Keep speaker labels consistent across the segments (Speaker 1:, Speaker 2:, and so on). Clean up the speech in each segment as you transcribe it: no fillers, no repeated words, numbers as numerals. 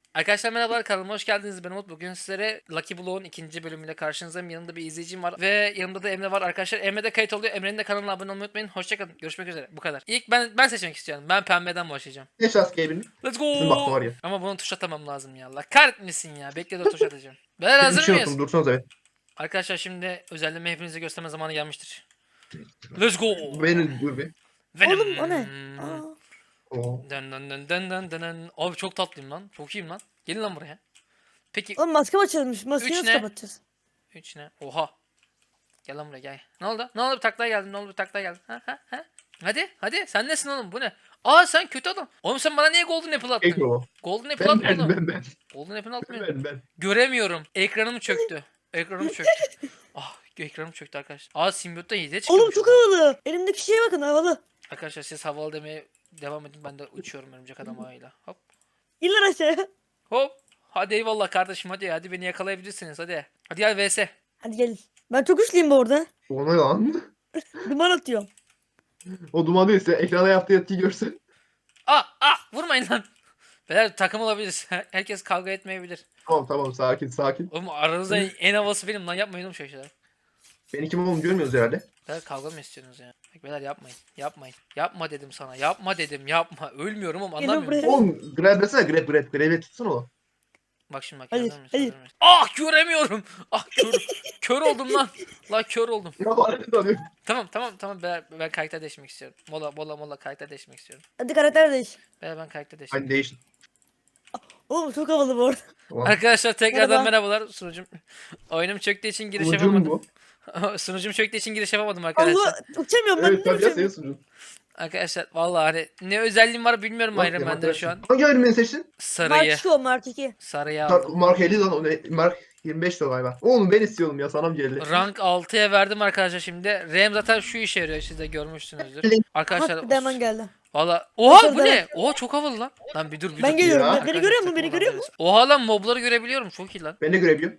Speaker 1: Arkadaşlar merhabalar, kanalıma hoş geldiniz. Ben Umut. Bugün sizlere Lucky Block'un ikinci bölümüyle karşınızdayım. Yanımda bir izleyicim var ve yanımda da Emre var arkadaşlar. Emre de kayıt oluyor. Emre'nin de kanalına abone olmayı unutmayın. Hoşçakalın. Görüşmek üzere. Bu kadar. İlk ben seçmek istiyorum. Ben pembeden başlayacağım.
Speaker 2: Ne şans Gabe'in?
Speaker 1: Let's
Speaker 2: Bizim baktım
Speaker 1: go.
Speaker 2: var ya.
Speaker 1: Ama bunu tuş atamam lazım ya. Allah kahretmesin ya. Bekle de tuş atacağım. Beyler
Speaker 2: Ben bir
Speaker 1: hazır
Speaker 2: şey
Speaker 1: mıyız?
Speaker 2: unuttum. Dursanız evet.
Speaker 1: Arkadaşlar şimdi özelliğimi hepinize gösterme zamanı gelmiştir. Let's go.
Speaker 2: Benim dur bir.
Speaker 1: Venom.
Speaker 3: Oğlum o ne? Aa,
Speaker 2: Oo.
Speaker 1: Dın dın dın dın dın dın dın. Abi çok tatlıyım lan. Çok iyiyim lan. Gelin lan buraya. Peki
Speaker 3: oğlum maske açılmış. Maskeyi
Speaker 1: Üç
Speaker 3: nasıl
Speaker 1: ne?
Speaker 3: kapatacağız?
Speaker 1: 3 ne? Oha. Gel lan buraya gel. Ne oldu? Ne oldu, bir taklaya geldin? Ne oldu, bir taklaya geldin? Ha ha ha. Hadi sen nesin oğlum, bu ne? Aa, sen kötü adam. Oğlum sen bana niye Golden Apple attın?
Speaker 2: Gabe o.
Speaker 1: Golden Apple
Speaker 2: Ben
Speaker 1: atma
Speaker 2: ben
Speaker 1: oğlum.
Speaker 2: ben ben.
Speaker 1: Golden Apple atmıyor.
Speaker 2: Ben.
Speaker 1: Göremiyorum. Ekranım çöktü. Ekranım çöktü. Ah, ekranım çöktü arkadaşlar. Aa, simbiyotta 7'ye çıkıyor.
Speaker 3: Oğlum çok havalı. Elimdeki şeye bakın havalı.
Speaker 1: Arkadaşlar siz havalı demeye devam edin. Ben de uçuyorum örümcek adam ağıyla. Hop.
Speaker 3: İn lan aşağıya.
Speaker 1: Hop. Hadi eyvallah kardeşim, hadi beni yakalayabilirsiniz hadi. Hadi gel vs.
Speaker 3: Hadi gelin. Ben çok güçlüyüm bu arada.
Speaker 2: O ne lan?
Speaker 3: Duman atıyorum.
Speaker 2: O duman değilse ekrana yaptığı etkiyi görsen.
Speaker 1: Vurmayın lan. Beyler takım olabiliriz. Herkes kavga etmeyebilir.
Speaker 2: Tamam sakin.
Speaker 1: Oğlum aranızda en havası benim lan, yapmayın oğlum şöyle şeyler.
Speaker 2: Beni kim olduğumu görmüyoruz herhalde.
Speaker 1: Beyler kavga mı istiyorsunuz ya? Bak beyler, yapmayın. Yapma dedim sana, yapma dedim, yapma. Ölmüyorum ama
Speaker 3: Gelin
Speaker 1: anlamıyorum.
Speaker 3: buraya.
Speaker 2: Oğlum grab desene grab. Grab'e tutsana o.
Speaker 1: Bak şimdi, bak
Speaker 3: Hayır,
Speaker 1: hazır mıyız?
Speaker 3: hayır.
Speaker 1: Hazır mıyız? Ah, göremiyorum. Ah, kör oldum lan. La kör oldum.
Speaker 2: Ya bana ne sanıyor?
Speaker 1: Tamam beyler, ben karakter değişmek istiyorum. Mola karakter değişmek istiyorum.
Speaker 3: Hadi karakter değiş.
Speaker 1: Beyler ben karakter değişmek.
Speaker 2: Hani değişin.
Speaker 3: Oğlum çok havalı bu arada.
Speaker 2: Tamam.
Speaker 1: Arkadaşlar tekrardan
Speaker 3: Merhaba.
Speaker 1: merhabalar sunucum. Oyunum çöktüğü için giriş
Speaker 2: Sunucun
Speaker 1: yapamadım.
Speaker 2: bu.
Speaker 1: Sunucum çöktüğü için giriş yapamadım arkadaşlar.
Speaker 3: Allah uçamıyorum ben.
Speaker 2: Evet
Speaker 3: Ne
Speaker 2: tabii ya senin
Speaker 3: uçamıyorum?
Speaker 2: sunucun.
Speaker 1: Arkadaşlar vallahi hani ne özelliğim var bilmiyorum
Speaker 2: Bak
Speaker 1: Iron
Speaker 2: ya,
Speaker 1: Man'de şu an.
Speaker 2: Hangi ayrımını seçtin?
Speaker 1: Sarıyı.
Speaker 3: Mark 2 o Mark 2.
Speaker 1: Sarıyı aldım.
Speaker 2: Mark 50 lan o ne? Mark 25 de galiba. Oğlum ben istiyorum ya sana mı geldi?
Speaker 1: Rank 6'ya verdim arkadaşlar şimdi. RAM zaten şu işe yarıyor, siz de görmüşsünüzdür. Arkadaşlar
Speaker 3: Bak bir de hemen geldi.
Speaker 1: valla. Oha, bu
Speaker 3: Başarılı.
Speaker 1: ne? Oha, çok havalı lan. Lan bir dur.
Speaker 3: Ben geliyorum.
Speaker 2: Ya.
Speaker 3: Beni görüyor musun? Beni görüyor musun?
Speaker 1: Oha lan, mobları görebiliyorum, çok iyi lan.
Speaker 2: Ben de görebiliyorum.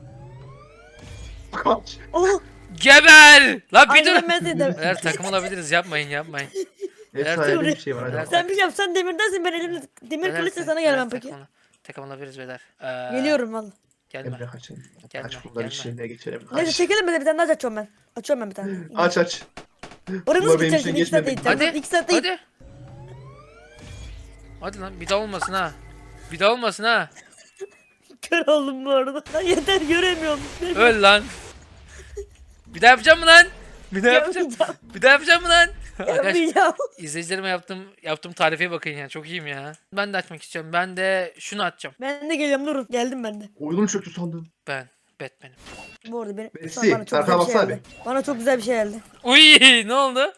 Speaker 2: Kaç.
Speaker 3: Oh.
Speaker 1: Geber! Lan bir dur.
Speaker 3: Aynen ben seni de.
Speaker 1: Eğer takım olabiliriz, yapmayın.
Speaker 2: Efsane bir şey var hadi.
Speaker 1: Beyler,
Speaker 2: bak.
Speaker 3: Sen bir şey yap. Sen demirdensin. Ben elimde demir
Speaker 1: Beyler,
Speaker 3: kılıçla
Speaker 1: beyler,
Speaker 3: sana gelmem
Speaker 1: beyler,
Speaker 3: peki.
Speaker 1: takım olabiliriz beyler.
Speaker 3: Geliyorum valla.
Speaker 1: Gelme.
Speaker 2: Emre kaçın.
Speaker 1: Gelme,
Speaker 2: Aç bunları
Speaker 1: gelme.
Speaker 2: işlerine geçelim.
Speaker 3: Neyse
Speaker 2: Aç.
Speaker 3: çekelim bir tane daha açıyorum ben. Açıyorum ben bir tane.
Speaker 2: Aç.
Speaker 3: Oraya
Speaker 2: Bunlar
Speaker 3: nasıl
Speaker 2: benim
Speaker 3: gideceğim
Speaker 2: için
Speaker 3: şimdi? 2 saat
Speaker 2: geçmedi.
Speaker 3: gideceğim.
Speaker 1: Hadi.
Speaker 3: 2 saat değil.
Speaker 1: Hadi. Hadi lan, bir daha olmasın ha. Bir daha olmasın ha.
Speaker 3: Kör oldum bu arada. Yeter göremiyorum.
Speaker 1: Öl lan. Bir daha yapacağım mı lan? Bir daha yapacağım.
Speaker 3: Yapmayacağım.
Speaker 1: Bir daha yapacağım mı lan? Arkadaş,
Speaker 3: Yapmayacağım.
Speaker 1: izleyicilerime yaptığım tarife bakın ya. Çok iyiyim ya. Ben de açmak istiyorum. Ben de şunu açacağım.
Speaker 3: Ben de geliyorum durun. Geldim ben de.
Speaker 2: Oyunum çöktü sandım.
Speaker 1: Ben Batman'im.
Speaker 3: Bu arada
Speaker 2: Messi,
Speaker 3: bana çok güzel
Speaker 2: arkana
Speaker 3: bir şey
Speaker 2: baksana
Speaker 3: geldi. Bana çok güzel bir şey geldi.
Speaker 1: Uy, ne oldu?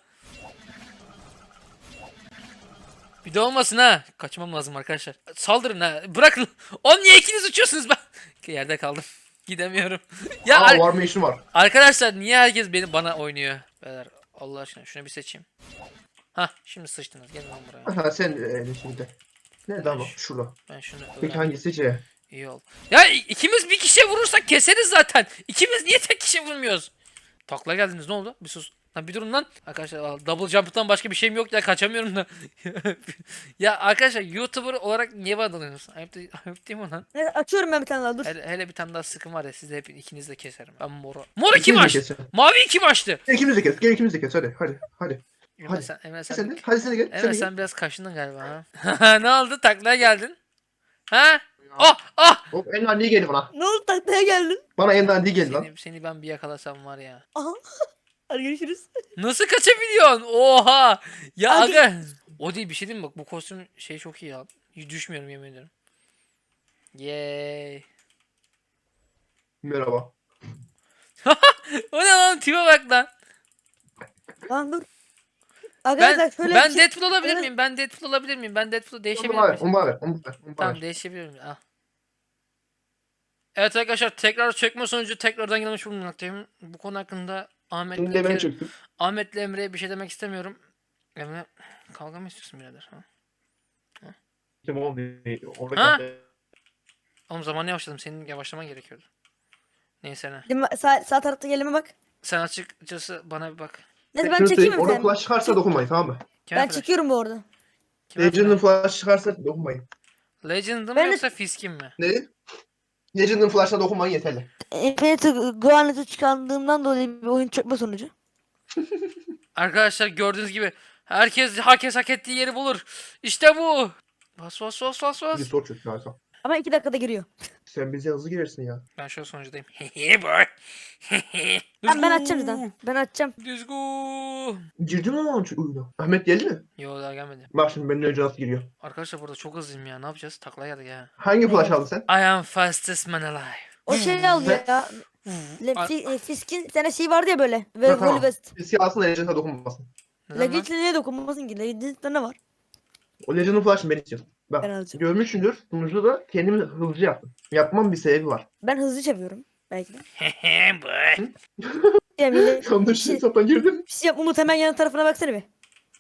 Speaker 1: Bir de olmasın ha. Kaçmam lazım arkadaşlar. Saldırın ha. Bırakın. Oğlum niye ikiniz uçuyorsunuz ben? Yerde kaldım. Gidemiyorum. Ya
Speaker 2: Aa var mı işim var.
Speaker 1: arkadaşlar, niye herkes bana oynuyor? Beyler, Allah aşkına şunu bir seçeyim. Hah, şimdi sıçtınız. Gelin lan buraya.
Speaker 2: Ha sen şimdi. Nerede ama? Şurada.
Speaker 1: Ben şunu
Speaker 2: Peki
Speaker 1: öğrendim.
Speaker 2: hangisi C?
Speaker 1: İyi ol. Ya ikimiz bir kişiye vurursak keseriz zaten. İkimiz niye tek kişi vurmuyoruz? Takla geldiniz, ne oldu? Bir sus. Lan bir durun lan. Arkadaşlar double jump'tan başka bir şeyim yok ya, kaçamıyorum da. Ya arkadaşlar, YouTuber olarak niye bana dalıyorsunuz? Ayıp değil mi lan?
Speaker 3: Neyse açıyorum ben bir tane daha dur.
Speaker 1: Hele bir tane daha sıkım var ya, siz de hep ikiniz de keserim. Ben moru. Moru kim
Speaker 2: İkimiz de
Speaker 1: açtı?
Speaker 2: keselim.
Speaker 1: Mavi kim açtı?
Speaker 2: Gel ikimiz de kes. Gel ikimiz de kes. Hadi.
Speaker 1: Emre
Speaker 2: Hadi.
Speaker 1: sen, Emre
Speaker 2: Sen
Speaker 1: sen,
Speaker 2: de. Hadi sen de gel.
Speaker 1: Emre sen biraz kaşındın galiba ha. Ne oldu? Taklaya geldin. Ha? Ah!
Speaker 2: Hop en dandiği geldi bana.
Speaker 3: Ne oldu taklaya geldin?
Speaker 2: Bana en dandiği geldi lan.
Speaker 1: Seni ben bir yakalasam var ya.
Speaker 3: Aha. Hadi görüşürüz.
Speaker 1: Nasıl kaçabiliyorsun? Oha! Ya
Speaker 3: Hadi.
Speaker 1: aga. O değil, bir şey diyeyim mi? Bak bu kostüm şey çok iyi ya. Hiç düşmüyorum, yemin ederim. Yay.
Speaker 2: Merhaba.
Speaker 1: O ne lan? Tipe bak lan.
Speaker 3: Lan dur. Arkadaşlar şöyle
Speaker 1: Ben
Speaker 3: bir şey...
Speaker 1: Deadpool olabilir
Speaker 3: Evet.
Speaker 1: miyim? Ben Deadpool olabilir miyim? Ben Deadpool'u değişebilir
Speaker 2: Onu bana ver.
Speaker 1: miyim?
Speaker 2: Onu bana ver. Onu bana
Speaker 1: Tamam,
Speaker 2: ver.
Speaker 1: değişebilir miyim? Al. Evet arkadaşlar, tekrar çökme sonucu tekrardan gelmiş bulunmaktayım. Bu konu hakkında
Speaker 2: Şimdi de ben çöktüm.
Speaker 1: Ahmet'le Emre'ye bir şey demek istemiyorum. Emre, kavga mı istiyorsun birader? Ha?
Speaker 2: Kim oldu? Orada
Speaker 1: Ha?
Speaker 2: kaldı.
Speaker 1: Oğlum zamanı yavaşladım. Senin yavaşlaman gerekiyordu. Neyse ne.
Speaker 3: Sağ tarafta gelime bak.
Speaker 1: Sen açıkçası bana bir bak.
Speaker 3: Neyse ben
Speaker 2: Şunu
Speaker 3: çekeyim
Speaker 2: söyleyeyim,
Speaker 3: mi
Speaker 2: orada
Speaker 3: sen?
Speaker 2: flash çıkarsa dokunmayın tamam mı?
Speaker 1: Kime
Speaker 3: Ben
Speaker 1: flash?
Speaker 3: çekiyorum bu arada.
Speaker 1: Kime
Speaker 2: Legend'ın
Speaker 1: flash?
Speaker 2: flash çıkarsa dokunmayın.
Speaker 1: Legend'ı mı
Speaker 3: Ben de-
Speaker 1: yoksa Fisk'in mi?
Speaker 2: Ne? Legend'ın flash'ına dokunman yeterli.
Speaker 3: Infinity Gauntlet'ı çıkardığımdan dolayı bir oyun çökme sonucu.
Speaker 1: Arkadaşlar gördüğünüz gibi herkes hak ettiği yeri bulur. İşte bu. Bas bas bas bas
Speaker 2: Bir
Speaker 1: bas.
Speaker 2: sor çünkü harika.
Speaker 3: Ama 2 dakikada giriyor.
Speaker 2: Sen bize hızlı girersin ya.
Speaker 1: Ben şu an sonuncudayım. Hehe boy.
Speaker 3: Ben açacağım zaten. Ben açacağım.
Speaker 1: Let's go.
Speaker 2: Girdi mi lan şu oyuna? Ahmet geldi mi?
Speaker 1: Yo daha gelmedi.
Speaker 2: Bak şimdi benden önce nasıl giriyor.
Speaker 1: Arkadaşlar burada çok hızlıyım ya. Ne yapacağız? Taklaya geldik ya.
Speaker 2: Hangi flash aldın sen?
Speaker 1: I am fastest man alive.
Speaker 3: O şey aldı ya. Fisk'in bir tane şey vardı ya böyle. Ve
Speaker 2: Ha, tamam.
Speaker 3: West.
Speaker 2: Biz alsın da Legend'a dokunmasın.
Speaker 1: Neden lan?
Speaker 3: Legend'le niye dokunmasın ki? Legend'de ne var?
Speaker 2: O Legend'ın flash'ını ben istiyorum. Bak
Speaker 3: Ben alacağım.
Speaker 2: görmüşsündür. Sonuçta da kendimi hızlıca yaptım. Yapmam bir sebebi var.
Speaker 3: Ben hızlı çeviriyorum. Belki de.
Speaker 1: Hehe boy.
Speaker 3: Yani
Speaker 2: Yanlış
Speaker 3: şey-
Speaker 2: hesaptan girdim.
Speaker 3: bir şey yap Umut, hemen yan tarafına baksana bir.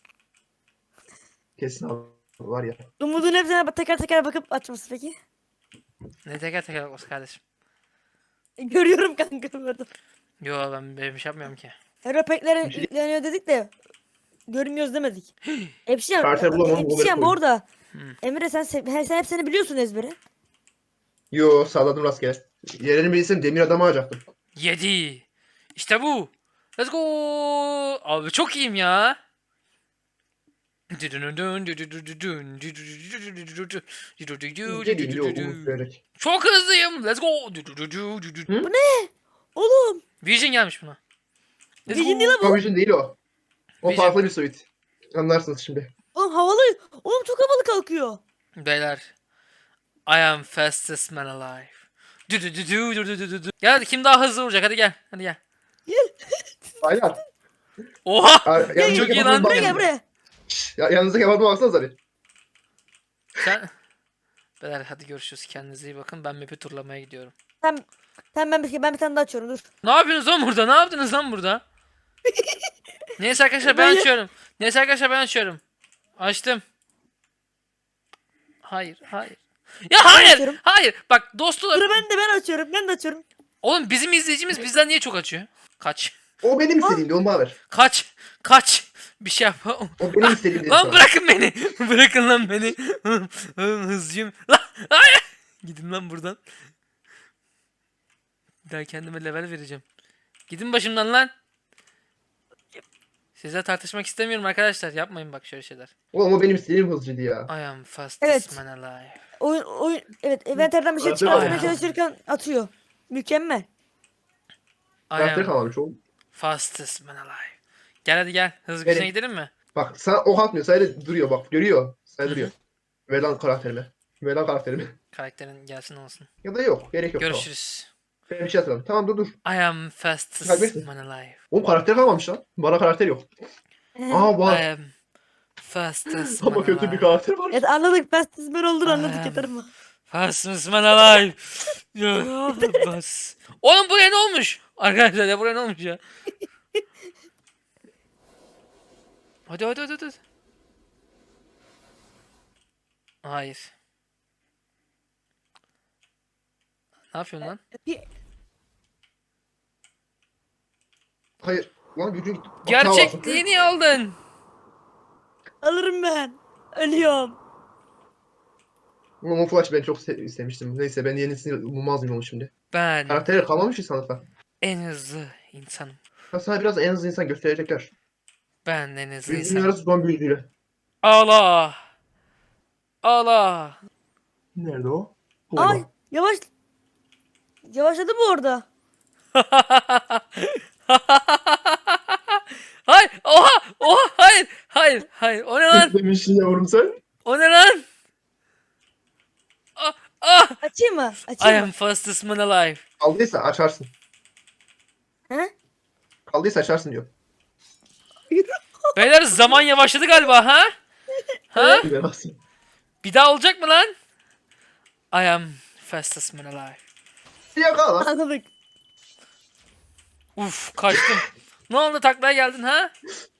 Speaker 2: Kesin abi var ya.
Speaker 3: Umut'un hepsine teker teker bakıp açması peki.
Speaker 1: Ne teker teker olsun kardeşim.
Speaker 3: Görüyorum kanka burada.
Speaker 1: Yo ben bir şey yapmıyorum ki.
Speaker 3: Hero pack'lere
Speaker 2: Bir şey-
Speaker 3: yükleniyor dedik de görmüyoruz demedik. Epşiyan,
Speaker 2: Kartel bulamam,
Speaker 3: Epşiyan
Speaker 2: onları
Speaker 3: bu arada.
Speaker 1: Hı.
Speaker 3: Emre sen hepsini biliyorsun ezbere.
Speaker 2: Yo salladım rastgele. Yerini bilsem demir adamı alacaktım.
Speaker 1: 7. İşte bu. Let's go. Abi çok iyiyim ya.
Speaker 2: Geleyim bir umut vererek.
Speaker 1: Çok hızlıyım. Let's go.
Speaker 3: Oğlum.
Speaker 1: Vision gelmiş buna. Let's
Speaker 3: Vision
Speaker 1: go.
Speaker 3: değil
Speaker 2: O Vision değil o. O
Speaker 1: Vision.
Speaker 2: farklı bir suit. Anlarsınız şimdi.
Speaker 3: Oğlum havalı. Oğlum çok havalı kalkıyor.
Speaker 1: Beyler. I am fastest man alive. Gel hadi kim daha hızlı vuracak hadi gel. Hadi gel.
Speaker 2: Aynen.
Speaker 1: Oha.
Speaker 2: Yanınızdaki
Speaker 1: çok iyi
Speaker 2: adama
Speaker 1: lan.
Speaker 2: bakın.
Speaker 3: Buraya gel buraya.
Speaker 2: Ya, yanınızdaki adama baksanıza bir.
Speaker 1: Sen... Beyler hadi görüşürüz. Kendinize iyi bakın. Ben map'i turlamaya gidiyorum.
Speaker 3: Tamam ben bir tane daha açıyorum dur.
Speaker 1: Ne yapıyorsunuz lan burada? Ne yaptınız lan burada? Neyse arkadaşlar ben
Speaker 3: Ben-
Speaker 1: açıyorum. Neyse arkadaşlar ben açıyorum. Açtım. Hayır, hayır. Ya hayır,
Speaker 3: açıyorum.
Speaker 1: hayır. Bak dostlar.
Speaker 3: Dur ben de açıyorum.
Speaker 1: Oğlum bizim izleyicimiz bizden niye çok açıyor? Kaç.
Speaker 2: O benim istediğimdi onu bana ver.
Speaker 1: Kaç. Bir şey yap.
Speaker 2: O benim istediğimdi.
Speaker 1: Lan bırakın beni. Bırakın lan beni. Hızlıyım. Lan hayır. Gidin lan buradan. Bir daha kendime level vereceğim. Gidin başımdan lan. Sizle tartışmak istemiyorum arkadaşlar. Yapmayın bak şöyle şeyler.
Speaker 2: Oğlum o benim istediğim hızlıydı ya.
Speaker 1: I am fastest
Speaker 3: Evet.
Speaker 1: man alive.
Speaker 3: Oyun evet envanterden bir şey
Speaker 2: Karakter
Speaker 3: çıkartmaya
Speaker 1: var.
Speaker 3: çalışırken atıyor. Mükemmel.
Speaker 1: I
Speaker 2: Karakter
Speaker 1: am
Speaker 2: kalmamış oğlum.
Speaker 1: fastest man alive. Gel hadi gel. Hız
Speaker 2: Benim.
Speaker 1: gücüne gidelim mi?
Speaker 2: Bak sana ok atmıyor. Sadece duruyor bak. Görüyor. Sadece duruyor. Ver lan karakterimi. Ver lan karakterimi.
Speaker 1: Karakterin gelsin olsun.
Speaker 2: Ya da yok. Gerek yok.
Speaker 1: Görüşürüz.
Speaker 2: Tamam. Ben bir şey hatırladım. Tamam dur.
Speaker 1: I am fastest
Speaker 2: Kaybettin.
Speaker 1: man alive.
Speaker 2: Oğlum karakter kalmamış lan. Bana karakter yok. Aa var.
Speaker 1: I am fastest man
Speaker 2: Ama kötü bir
Speaker 1: alive.
Speaker 2: karakter var.
Speaker 3: Evet anladık. Ben olduğunu anladık
Speaker 1: Aynen.
Speaker 3: yeter mi?
Speaker 1: Fastest man alive. Ya, bas. Oğlum buraya ne olmuş? Arkadaşlar ya buraya ne olmuş ya? Hadi. Hayır. Ne yapıyorsun lan?
Speaker 2: Hayır. Lan gücün gitti. Bak,
Speaker 1: Gerçekliğini aldın.
Speaker 3: Alırım ben. Ölüyorum.
Speaker 2: Ama o Flash ben çok istemiştim. Neyse ben yenisini bulmaz mıyım onu şimdi.
Speaker 1: Ben
Speaker 2: Karakterler kalmamış ki sanatlar.
Speaker 1: en hızlı insanım.
Speaker 2: Ya sana biraz en hızlı insan gösterecekler.
Speaker 1: Ben en hızlı
Speaker 2: Büyücünün
Speaker 1: insanım.
Speaker 2: arası son büyücüyle.
Speaker 1: Allah. Allah.
Speaker 2: Nerede o?
Speaker 3: Ay yavaş. Yavaşladı mı orada?
Speaker 1: Hayır. Oha. Hayır. O ne lan?
Speaker 2: Demişsin yavrum sen.
Speaker 1: O ne lan? Ah.
Speaker 3: Açayım mı?
Speaker 1: I
Speaker 3: Açayım
Speaker 1: am
Speaker 3: mı?
Speaker 1: fastest man alive.
Speaker 2: Kaldıysa açarsın.
Speaker 3: He?
Speaker 2: Kaldıysa açarsın diyor.
Speaker 1: Beyler zaman yavaşladı galiba ha? Ha?
Speaker 2: Bilemezsin.
Speaker 1: Bir daha olacak mı lan? I am fastest man alive.
Speaker 2: Yakala.
Speaker 3: Anladık.
Speaker 1: Uf kaçtım. Ne oldu taklaya geldin ha?